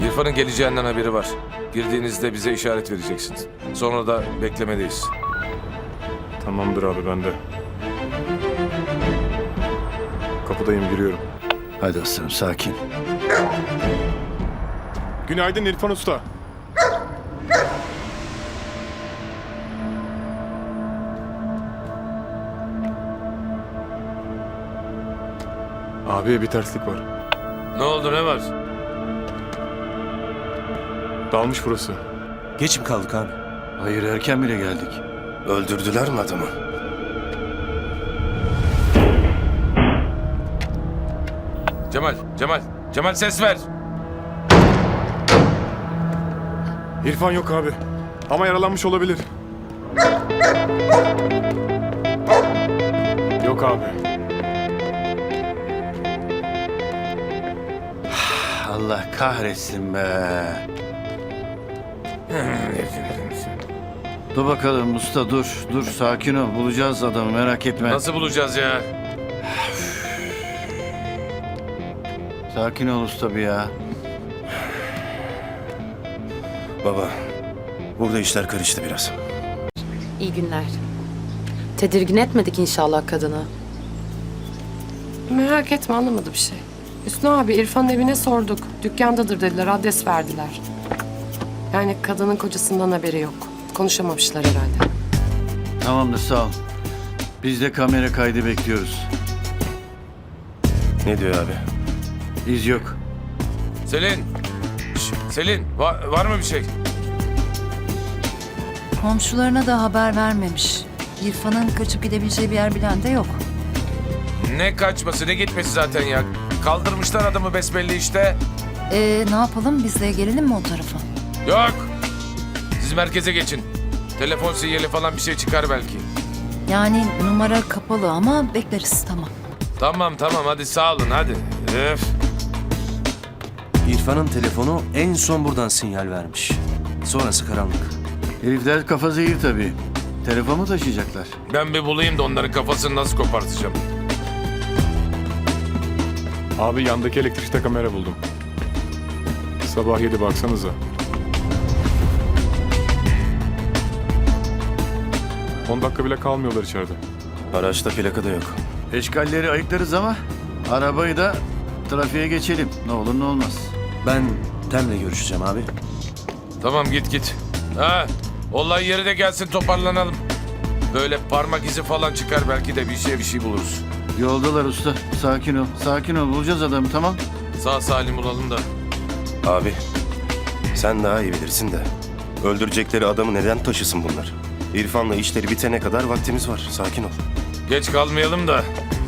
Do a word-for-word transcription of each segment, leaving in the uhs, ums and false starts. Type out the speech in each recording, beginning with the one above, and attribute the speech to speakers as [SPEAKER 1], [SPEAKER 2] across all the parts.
[SPEAKER 1] İrfan'ın geleceğinden haberi var. Girdiğinizde bize işaret vereceksiniz. Sonra da beklemedeyiz.
[SPEAKER 2] Tamamdır abi, ben de. Kapıdayım, giriyorum.
[SPEAKER 3] Hadi aslanım, sakin.
[SPEAKER 2] Günaydın İrfan Usta. Abi bir terslik var.
[SPEAKER 1] Ne oldu, ne var?
[SPEAKER 2] Dalmış burası.
[SPEAKER 4] Geç mi kaldık abi?
[SPEAKER 3] Hayır, erken bile geldik.
[SPEAKER 4] Öldürdüler mi adamı?
[SPEAKER 1] Cemal, Cemal, Cemal ses ver.
[SPEAKER 2] İrfan yok abi. Ama yaralanmış olabilir. Yok abi.
[SPEAKER 3] Allah kahretsin be. Dur bakalım usta, dur. Dur, sakin ol. Bulacağız adamı, merak etme.
[SPEAKER 1] Nasıl bulacağız ya?
[SPEAKER 3] Sakin ol usta bir ya.
[SPEAKER 4] Baba, burada işler karıştı biraz.
[SPEAKER 5] İyi günler. Tedirgin etmedik inşallah kadını.
[SPEAKER 6] Merak etme, anlamadı bir şey. Hüsnü abi, İrfan'ın evine sorduk. Dükkandadır dediler, adres verdiler. Yani kadının kocasından haberi yok. Konuşamamışlar herhalde.
[SPEAKER 3] Tamamdır, sağ ol. Biz de kamera kaydı bekliyoruz.
[SPEAKER 4] Ne diyor abi?
[SPEAKER 3] İz yok.
[SPEAKER 1] Selin, şş, Selin var, var mı bir şey?
[SPEAKER 7] Komşularına da haber vermemiş. İrfan'ın kaçıp gidebileceği bir yer bilen de yok.
[SPEAKER 1] Ne kaçması, ne gitmesi zaten ya. Kaldırmışlar adamı besbelli işte.
[SPEAKER 7] Ee, ne yapalım, biz de gelelim mi o tarafa?
[SPEAKER 1] Yok. Siz merkeze geçin. Telefon sinyali falan bir şey çıkar belki.
[SPEAKER 7] Yani numara kapalı ama bekleriz, tamam.
[SPEAKER 1] Tamam tamam hadi sağ olun hadi. Öf.
[SPEAKER 4] İrfan'ın telefonu en son buradan sinyal vermiş. Sonrası karanlık.
[SPEAKER 3] Herifler kafa zehir tabii. Telefonu taşıyacaklar.
[SPEAKER 1] Ben bir bulayım da onların kafasını nasıl kopartacağım.
[SPEAKER 2] Abi yandaki elektrikte kamera buldum. Sabah yedi, baksanıza. On dakika bile kalmıyorlar içeride.
[SPEAKER 4] Araçta plaka da yok.
[SPEAKER 3] Eşkalleri ayıklarız ama arabayı da trafiğe geçelim. Ne olur ne olmaz.
[SPEAKER 4] Ben Tem'le görüşeceğim abi.
[SPEAKER 1] Tamam git git. Ha, olay yeri de gelsin toparlanalım. Böyle parmak izi falan çıkar belki de bir şey bir şey buluruz.
[SPEAKER 3] Yoldalar usta. Sakin ol. Sakin ol. Bulacağız adamı, tamam.
[SPEAKER 1] Sağ salim bulalım da.
[SPEAKER 4] Abi, sen daha iyi bilirsin de. Öldürecekleri adamı neden taşısın bunlar? İrfan'la işleri bitene kadar vaktimiz var. Sakin ol.
[SPEAKER 1] Geç kalmayalım da.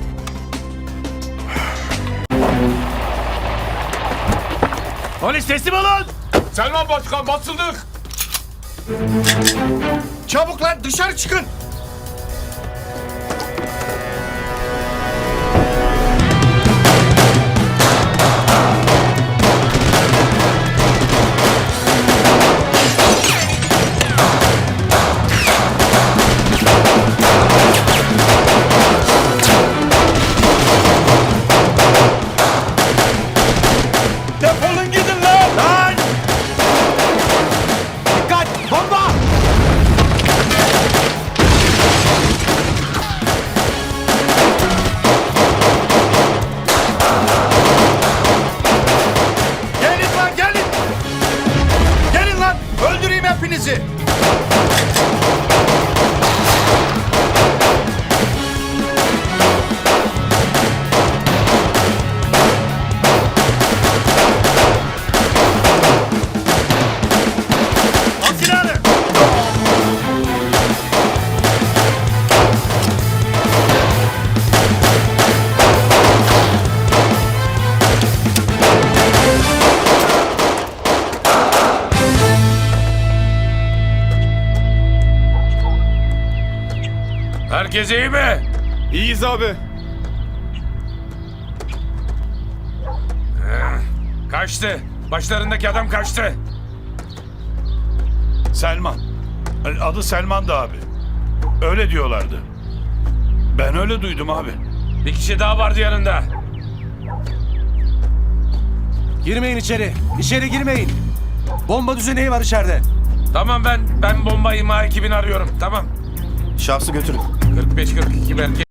[SPEAKER 8] Polis teslim olun!
[SPEAKER 1] Selman Başkan basıldık.
[SPEAKER 8] Çabuk lan, dışarı çıkın! Defolun gidin lan! Lan! Dikkat! Bomba! Gelin lan, gelin! Gelin lan! Öldüreyim hepinizi! Al silahını!
[SPEAKER 1] Herkes iyi mi?
[SPEAKER 2] İyiyiz abi.
[SPEAKER 1] Kaçtı. Başlarındaki adam kaçtı.
[SPEAKER 8] Selman. Adı Selman'dı abi. Öyle diyorlardı. Ben öyle duydum abi.
[SPEAKER 1] Bir kişi daha vardı yanında.
[SPEAKER 9] Girmeyin içeri. İçeri girmeyin. Bomba düzeneği var içeride.
[SPEAKER 1] Tamam ben ben bomba imha ekibini arıyorum. Tamam.
[SPEAKER 4] Şahsı götürün.
[SPEAKER 1] kırk beş kırk iki merkez.